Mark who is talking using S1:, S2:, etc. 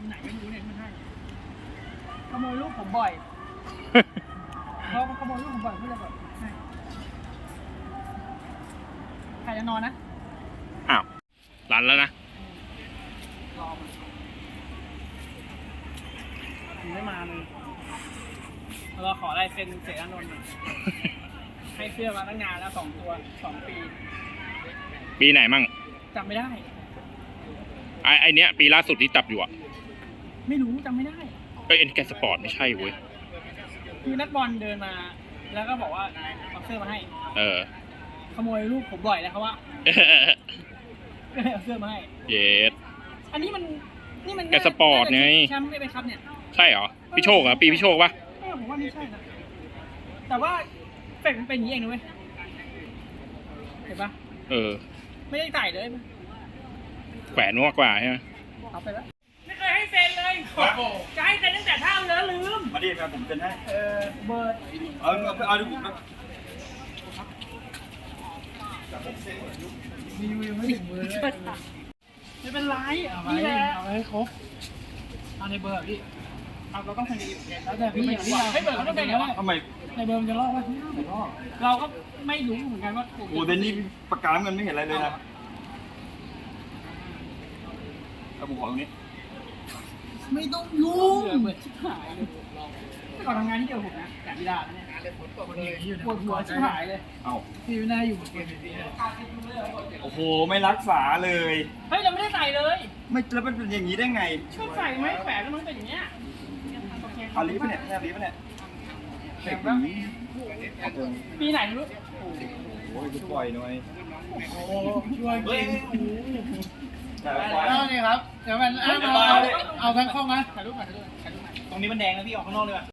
S1: ไหนไม่รู้เนี่ยมันให้ขโมยลูกผมบ่อยเพราะมันขโมยลูกผมบ่อยก็เลยแบบให้ใครจะนอนนะ
S2: อ้าวรันแล้วนะ
S1: รอมันไม่มาเลยเราขอลายเซ็นเสกอานนท์หน่อยให้เสื้อมาตั้งนานแล้ว2 ตัว 2 ปี
S2: ปีไหนมั่ง
S1: จำไม่ได้
S2: ไอเนี้ยปีล่าสุดที่จับอยู่อ่ะ
S1: ไม่รู้จำไม่ได้
S2: เอ้ยเอ็นแกสปอร์ตไม่ใช่เว้ย
S1: คือนักบอลเดินมา แล้วก็บอกว่าเอาเสื้อมาให้
S2: เออ
S1: ขโมยลูกผมบ่อยนะครับว่าก็เลยเอาเสื้อมาให้
S2: เยส
S1: อันนี้มันนี่มัน
S2: แกสปอร์ตไง
S1: แชมป์ได้ไหมครับเนี่ย
S2: ใช่เหรอพี่โชคเหรอปีพี่โชคปะ
S1: ผมว่าไม่ใช่นะแต่ว่าเป็ดมันเป็นอย่างนี้เองนะเว้ยเห็นปะ
S2: เออ
S1: ไม่ได้ใส่เลย
S2: แขวนมากกว่าใช่ไหม
S1: เอาไปแล้วไม่เคยให้เซ็นเลยจะให้เซ็นตั้งแต่เท่าเนื้อลืม
S3: มาดิครับผมเป็นให้
S1: เบิร์ด
S3: เอาดูผมนะ
S1: มีวิวไม่ถึงมือเลยไม่เป็นไรนี่แหละเอาให้ครบเอาในเบอร์พี่เอาเราต้องทำดีแล้วแต่พี่อย่างที่เราให้เบอร์เขาต้องเป็นอย่างไร
S3: ทำไม
S1: ในเบอร์มันจะลอกไหมไม่ลอกเราก็ไม่รู้เหมือนกันว่า
S3: โอ้เดนนี่ปากกาน้ำเงินไม่เห็นอะไรเลยนะเอาผมขอตรงนี้
S1: ไม่ต้องยุ่งเบื่อชิบหายเลยแต่ก่อนทำงานที่เดียวผมนะแต่ไม่ได้เนี่ยปวดหัวชิบหายเลย
S3: เอา
S1: พี่ไม่น่าอยู่เกมนี้
S3: โอ้โหไม่รักษาเลย
S1: เฮ้ยเราไม่ได้ใส่เลย
S3: ไม่แล้วมันเป็นอย่างนี้ได้ไง
S1: ก็ใส่ไม้แขวนแล้วมันเป็นอย่างเงี้ย
S3: เอาลีฟปะเนี่ยแค่ลีฟปะเนี่ยเด็กนี้
S1: ปีไหนไม่รู้
S3: โอ้ยจะปล่อยหน่อย
S1: ช่วยเก่ง
S3: แต่ปล่อย
S1: นี่ครับเดี๋ยวมันเอาทั้งข้องนะถ่ายรูปถ่ายรูป
S3: ตรงนี้มันแดงนะพี่ออกข้างนอกเลยว่ะ